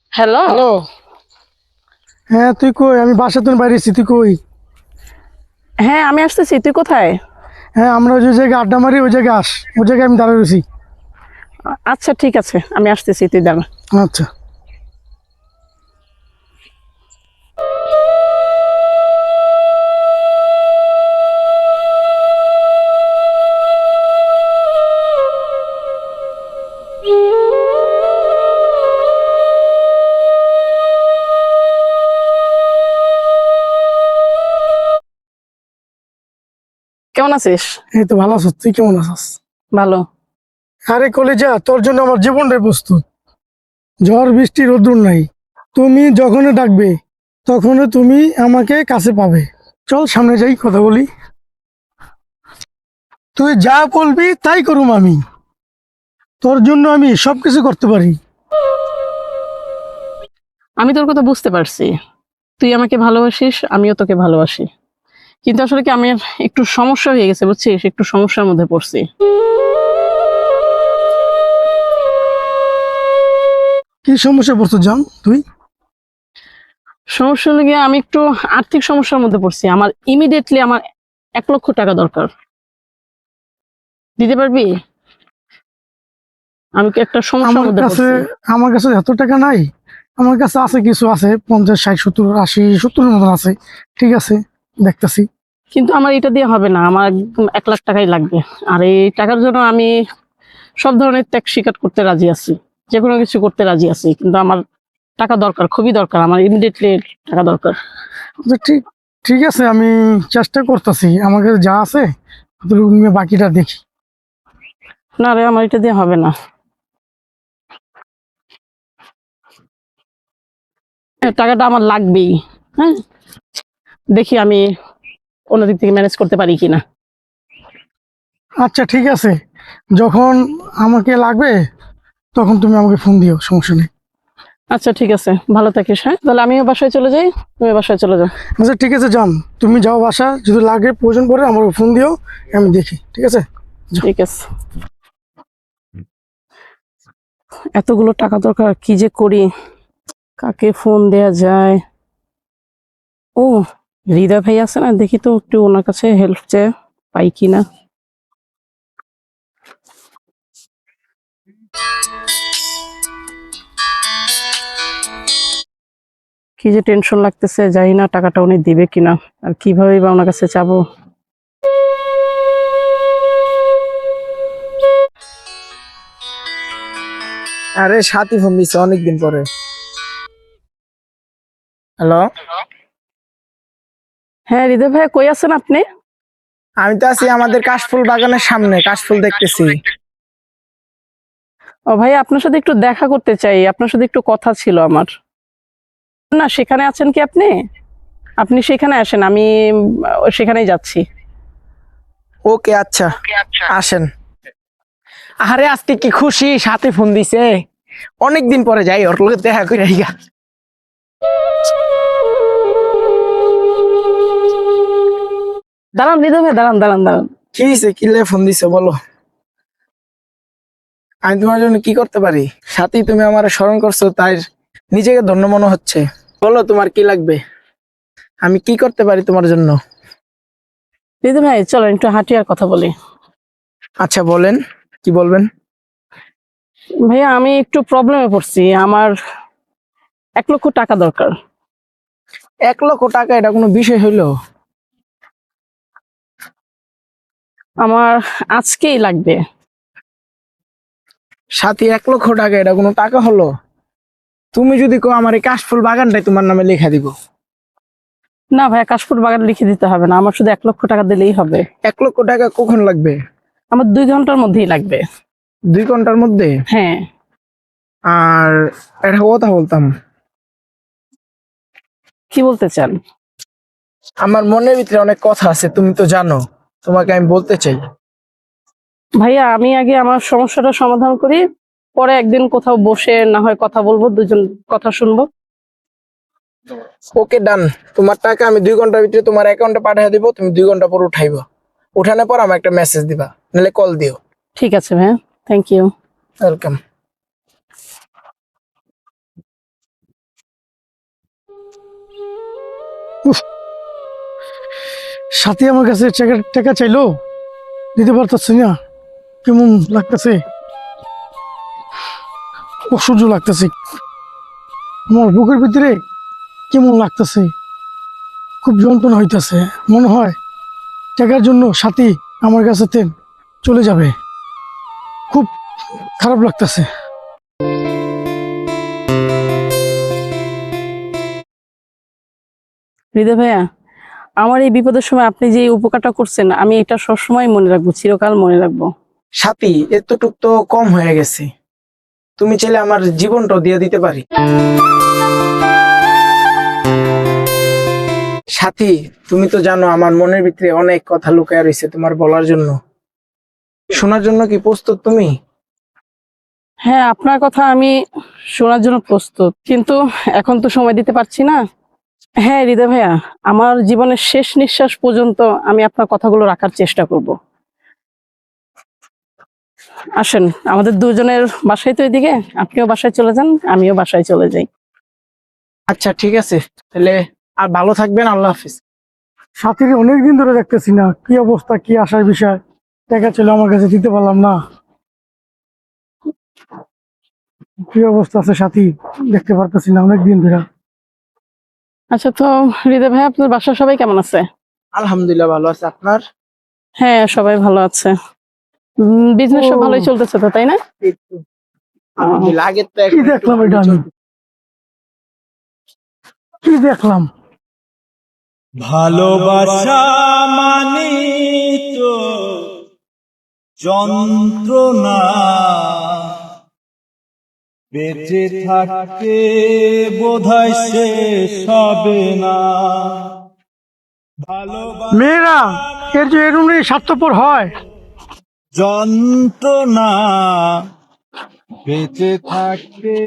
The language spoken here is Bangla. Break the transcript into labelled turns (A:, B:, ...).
A: হ্যালো।
B: হ্যালো। হ্যাঁ তুই কই? আমি বাসা থেকে বাইরে এসেছি, তুই কই?
A: হ্যাঁ, আমি আসতেছি। তুই কোথায়?
B: হ্যাঁ আমরা ওই যে জায়গায় আড্ডা মারি ওই জায়গায় আস, ওই জায়গায় আমি দাঁড়িয়ে রয়েছি।
A: আচ্ছা ঠিক আছে, আমি আসতেছি, তুই দাঁড়া।
B: আচ্ছা।
A: কেমন আছিস?
B: এই তো ভালো আছো, তুই কেমন আছিস?
A: ভালো।
B: আরে কলেজা, তোর জন্য আমার জীবনটাই প্রস্তুত। ঝড় বৃষ্টি রোদ্দুর নাই, তুমি যখনই ডাকবে তখনই তুমি আমাকে কাছে পাবে। চল সামনে যাই, কথা বলি। তুই যা বলবি তাই করুম আমি, তোর জন্য আমি সবকিছু করতে পারি।
A: আমি তোর কথা বুঝতে পারছি, তুই আমাকে ভালোবাসিস, আমিও তোকে ভালোবাসি। কিন্তু আসলে কি, আমি একটু সমস্যা হয়ে গেছে, বুঝছিস? একটু সমস্যার মধ্যে পড়ছি।
B: কি সমস্যা পড়ছো জান তুই?
A: সমস্যা হলে গিয়ে আমি একটু আর্থিক সমস্যার মধ্যে পড়ছি। আমার ইমিডিয়েটলি আমার 1,00,000 টাকা দরকার। দিতে পারবি? আমি কি একটা সমস্যার
B: আমার
A: মধ্যে
B: কাছে
A: পড়ছি।
B: আমার কাছে এত টাকা নাই। আমার কাছে আছে, কিছু আছে, 50, 60, 70, 80, 70-এর মতন আছে। ঠিক আছে, দেখতেছি।
A: কিন্তু আমার এটা দিয়ে হবে না, আমার একদম 1,00,000 টাকাই লাগবে। আর এই টাকার জন্য আমি সব ধরনের ত্যাগ স্বীকার করতে রাজি আছি, যে কোনো কিছু করতে রাজি আছি, কিন্তু আমার টাকা দরকার, খুবই দরকার, আমার ইমিডিয়েটলি টাকা দরকার।
B: আচ্ছা, ঠিক ঠিক আছে, আমি চেষ্টা করতেছি। আমার কাছে যা আছে অতটুকু নিয়ে বাকিটা দেখি।
A: না রে, আমার এটা দিয়ে হবে না। হ্যাঁ, টাকাটা আমার লাগবেই। হ্যাঁ, দেখি আমি অন্য দিক থেকে ম্যানেজ করতে পারি কিনা।
B: আচ্ছা ঠিক আছে, যখন আমাকে লাগবে তখন তুমি আমাকে ফোন দিও, সমস্যা নেই।
A: আচ্ছা ঠিক আছে, ভালো থাকিস। হ্যাঁ, তাহলে আমিও বাসায় চলে যাই, তুমি বাসায় চলে যাও।
B: আচ্ছা ঠিক আছে যান, তুমি যাও বাসা, যদি লাগে প্রয়োজন পড়ে আমার ফোন দিও, আমি দেখি। ঠিক আছে।
A: ঠিক আছে। এতগুলো টাকা দরকার, কি যে করি, কাকে ফোন দেয়া যায়? ও, হৃদয় ভাই আছে না, দেখি তো একটু ওনার কাছে হেল্প চেয়ে পাই কিনা। কি যে টেনশন লাগতেছে, জানি না টাকাটা উনি দিবে কিনা, আর কিভাবে বা ওনার কাছে চাবো।
C: আরে সাথী ফোন দিছে অনেকদিন পরে। হ্যালো।
A: হ্যাঁ হৃদয় ভাই, কই আছেন আপনি?
C: আমি তো আছি আমাদের কাশফুল বাগানের সামনে, কাশফুল দেখতেছি।
A: ও ভাই, আপনার সাথে একটু দেখা করতে চাই, আপনার সাথে একটু কথা ছিল আমার। না, সেখানে আছেন কি আপনি? আপনি সেখানে আসেন, আমি সেখানেই যাচ্ছি।
C: ওকে আচ্ছা, আসেন। আরে আজকে কি খুশি, সাথে ফোন দিছে। অনেকদিন পরে যাই ওর লগে দেখা করে আইগা।
A: দাঁড়ান হৃদয় ভাই, দাঁড়ান দাঁড়ান দাঁড়ান।
C: কি হয়েছে, কি লে ফোন দিছে বলো। আমি তোমার জন্য কি করতে পারি? সাথী, তুমি আমার স্মরণ করছো, তাই নিজেকে ধন্য মনে হচ্ছে। বলো তোমার কি লাগবে, আমি কি করতে পারি তোমার জন্য।
A: হৃদয় ভাই, চলেন একটু হাঁটি আর কথা বলি।
C: আচ্ছা বলেন, কি বলবেন।
A: ভাইয়া, আমি একটু প্রবলেমে পড়ছি, আমার 1,00,000 টাকা দরকার।
C: 1,00,000 টাকা এটা কোনো বিষয় হইলো?
A: আমার আজকেই লাগবে।
C: সাথী, 1,00,000 টাকা এটা কোনো টাকা হলো? তুমি যদি কো আমার এই কাশফুল বাগানটাই তোমার নামে লেখা দিব।
A: না ভাইয়া, কাশফুল বাগান লিখে দিতে হবে না, আমার শুধু 1,00,000 টাকা দিলেই হবে।
C: 1,00,000 টাকা কখন লাগবে?
A: আমার 2 ঘন্টার মধ্যেই লাগবে।
C: 2 ঘন্টার মধ্যে?
A: হ্যাঁ।
C: আর একটা কথা বলতাম।
A: কি বলতে চান?
C: আমার মনের ভিতরে অনেক কথা আছে, তুমি তো জানো, তোমাকে আমি বলতে চাই।
A: ভাইয়া, আমি আগে আমার সমস্যাটা সমাধান করি, পরে একদিন কোথাও বসে না হয় কথা বলবো, দুজন কথা শুনবো।
C: ওকে ডান। তোমার টাকা আমি 2 ঘন্টার ভিতরে তোমার অ্যাকাউন্টে পাঠিয়ে দিব, তুমি 2 ঘন্টা পর উঠাইবা। উঠানোর পর আমার একটা মেসেজ দিবা, নাহলে কল দিও।
A: ঠিক আছে ভাইয়া, থ্যাংক ইউ।
C: ওয়েলকাম।
B: উফ, সাথী আমার কাছে টাকা টাকা চাইলো, দিতে পারতেছি না, কেমন লাগতেছে, অসহ্য লাগতেছে, আমার বুকের ভিতরে কেমন লাগতেছে, খুব যন্ত্রণা হইতেছে। মনে হয় টাকার জন্য সাথী আমার কাছে চলে যাবে, খুব খারাপ লাগতেছে।
A: হৃদয় ভাইয়া, আমার এই বিপদের সময় আপনি যে এই উপকারটা করছেন, আমি এটা সবসময় মনে রাখবো, চিরকাল মনে রাখবো।
C: সাথী, এতটুক তো কম হয়ে গেছে, তুমি চাইলে আমার জীবনটাও দিয়ে দিতে পারি। সাথী, তুমি তো জানো আমার মনের ভিতরে অনেক কথা লুকায় রয়েছে তোমার বলার জন্য। শোনার জন্য কি প্রস্তুত তুমি?
A: হ্যাঁ, আপনার কথা আমি শোনার জন্য প্রস্তুত, কিন্তু এখন তো সময় দিতে পারছি না। হ্যাঁ হৃদয় ভাইয়া, আমার জীবনের শেষ নিঃশ্বাস পর্যন্ত আমি আপনার কথাগুলো রাখার চেষ্টা করব। আসেন, আমাদের দুজনের বাসায় তো এদিকে, আপনিও বাসায় চলে যান, আমিও বাসায় চলে যাই।
C: আচ্ছা ঠিক আছে, তাহলে আর ভালো থাকবেন, আল্লাহ হাফিজ।
B: সাথীকে অনেকদিন ধরে দেখতেছি না, কি অবস্থা, কি আসার বিষয়, টাকা ছিল আমার কাছে, দিতে পারলাম না, কি অবস্থা আছে সাথী, দেখতে পারতেছি না অনেকদিন ধরে।
A: আচ্ছা, তো হৃদয় ভাই, আপনার বাসার সবাই কেমন আছে?
C: আলহামদুলিল্লাহ ভালো আছে, আপনার?
A: হ্যাঁ, সবাই ভালো আছে। বিজনেস সব
B: ও।
A: ভালোই চলতেছে তো, তাই না?
C: এই তো, আলহামদুলিল্লাহ। আগের তো
B: কি দেখলাম এটা আমি, কি দেখলাম?
D: ভালোবাসা মানি তো যন্ত্রণা, বেঁচে থাকতে বোধহয় শেষ হবে না। ভালোবাসা
B: মেয়েরা এর যে এরকম স্বার্থপর হয়,
D: যন্ত্রণা, বেঁচে থাকতে